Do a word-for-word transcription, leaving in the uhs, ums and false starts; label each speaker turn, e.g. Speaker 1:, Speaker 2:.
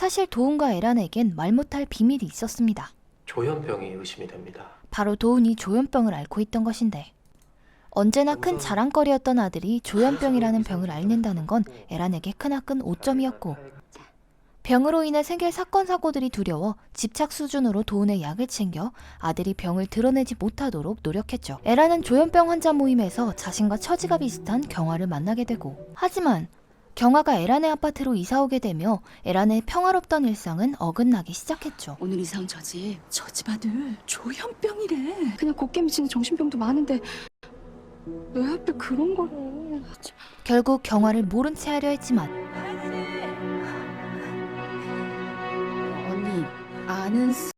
Speaker 1: 사실 도훈과 에란에겐 말 못할 비밀이 있었습니다.
Speaker 2: 조현병이 의심이 됩니다.
Speaker 1: 바로 도훈이 조현병을 앓고 있던 것인데, 언제나 큰 자랑거리였던 아들이 조현병이라는 병을 앓는다는 건 에란에게 크나큰 오점이었고, 병으로 인해 생길 사건 사고들이 두려워 집착 수준으로 도훈의 약을 챙겨 아들이 병을 드러내지 못하도록 노력했죠. 에란은 조현병 환자 모임에서 자신과 처지가 비슷한 경화를 만나게 되고, 하지만 경화가 에란의 아파트로 이사오게 되며 에란의 평화롭던 일상은 어긋나기 시작했죠.
Speaker 3: 오늘 이상 저집 저 집 아들 조현병이래. 그냥 곱게 미치는 정신병도 많은데 왜 하필 그런 거를.
Speaker 1: 결국 경화를 모른 채 하려 했지만
Speaker 3: 언니 아는